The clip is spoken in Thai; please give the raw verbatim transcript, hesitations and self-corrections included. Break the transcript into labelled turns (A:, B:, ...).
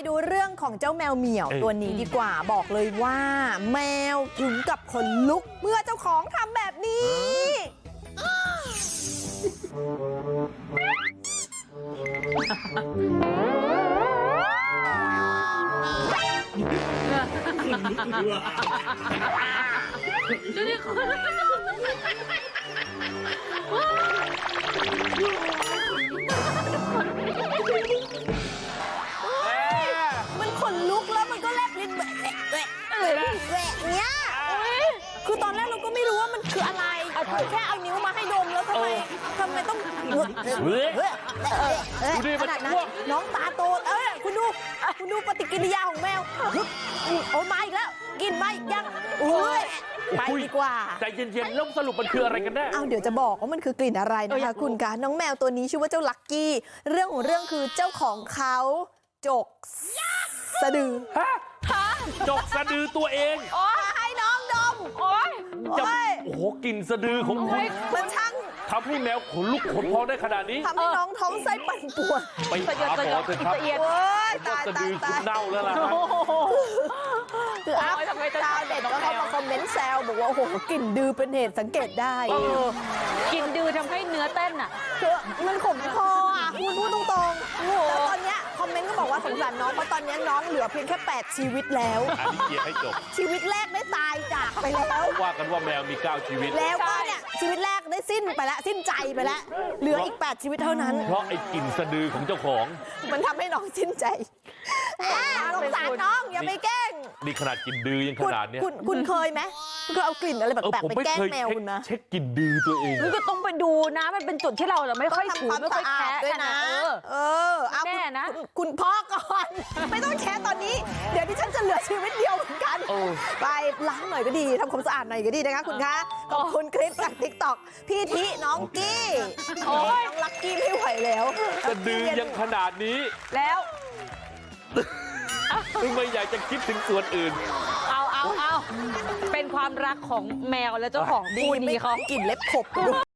A: ดูเรื่องของเจ้าแมวเหมียวตัวนี้ดีกว่าบอกเลยว่าแมวถึงกับขนลุกเมื่อเจ้าของทำแบบนี้
B: ดูดิคุณ
A: มันขนลุกแล้วมันก็แลบลิ้นแหวะแหวะแหวะแหวะเนี้ยคือตอนแรกเราก็ไม่รู้ว่ามันคืออะไรแค่เอานิ้วมาให้ดมแล้วทำไมทำไมต้องขนาดนั้นน้องตาโตเอ้ยคุณดูคุณดูปฏิกิริยาของแมวโอ้มาอีกแล้วกินมาอีกยังอุ้ยไปดีกว่า
C: ใจเย็นๆแล้วสรุปมันคืออะไรกันแน่
A: เอาเดี๋ยวจะบอกว่ามันคือกลิ่นอะไรนะคะคุณคะน้องแมวตัวนี้ชื่อว่าเจ้าลักกี้เรื่องของเรื่องคือเจ้าของเขาจกสะดือ
C: ฮะจกสะดือตัวเอง
A: โอ้ยให้น้องดมโอ้ย
C: จะโอ้โหกลิ่นสะดือของคุณ
A: มันช่าง
C: ทำให้แมวขนลุกขนพองได้ขนาดนี้
A: ทำให้น้องท้องไส้ปั่นป่วน
C: ไปหาหมอเถอะครับ
A: โอ้ยตาย
C: สะดือ
A: ตาย
C: คุณเน่าแล้วล่ะ
A: คืออ้าวดาวเด็ดก็เข้ามาคอมเมนต์แซวบอกว่าโอ้โหกลิ่นดือเป็นเหตุสังเกตได้
B: กินดือทำให้เนื้อเต้นอ่ะ
A: คือมันขมคออ่ะคุณพูดตรงๆแล้วตอนเนี้ยคอมเมนต์ก็บอกว่าสงสารน้องเพราะตอนนี้น้องเหลือเพียงแค่แปดชีวิตแล้ว
C: อันนี้เกียร์ให้จบ
A: ชีวิตแรกได้ตายจากไปแล้ว
C: ว่ากันว่าแมวมีเก้าชีวิต
A: แล้วก็เนี่ยชีวิตแรกได้สิ้นไปแล้วสิ้นใจไปแล้วเหลืออีกแปดชีวิตเท่านั้น
C: เพราะไอ้กลิ่นสะดือของเจ้าของ
A: มันทำให้น้องสิ้นใจสงสารน้องอย่าไปแกล้ง
C: นี่ขนาดกลิ่นดือยังขนาดเนี้ย
A: คุณคุณเคยไหมคุณเคยเอากลิ่นอะไรแปลกๆไปแกล้งแมวคุณนะ
C: เช็คกลิ่นดือตัวเอง
B: มันก็ต้องไปดูนะมันเป็นจุดที่เราไม่ค่อยถูไม่ค่อยแคะ
A: ด้วยนะเออเอาแน่นะคุณพ่อก่อนไม่ต้องแคะตอนนี้เดี๋ยวดิฉันจะเหลือชีวิตเดียวเหมือนกันไปล้างหน่อยก็ดีทำความสะอาดหน่อยก็ดีนะคะคุณคะขอบคุณคลิปจาก ติ๊กต็อก พี่ทิน้องกี้น้องลักกี้ไม่ไหวแล้ว
C: สะดือยังขนาดนี้
B: แล้ว
C: ไม่อยากจะคิดถึงส่วนอื่น
B: เอาเอาเอาเป็นความรักของแมวและเจ้าของคู่นี้เขา
A: กลิ่นเล็บขบ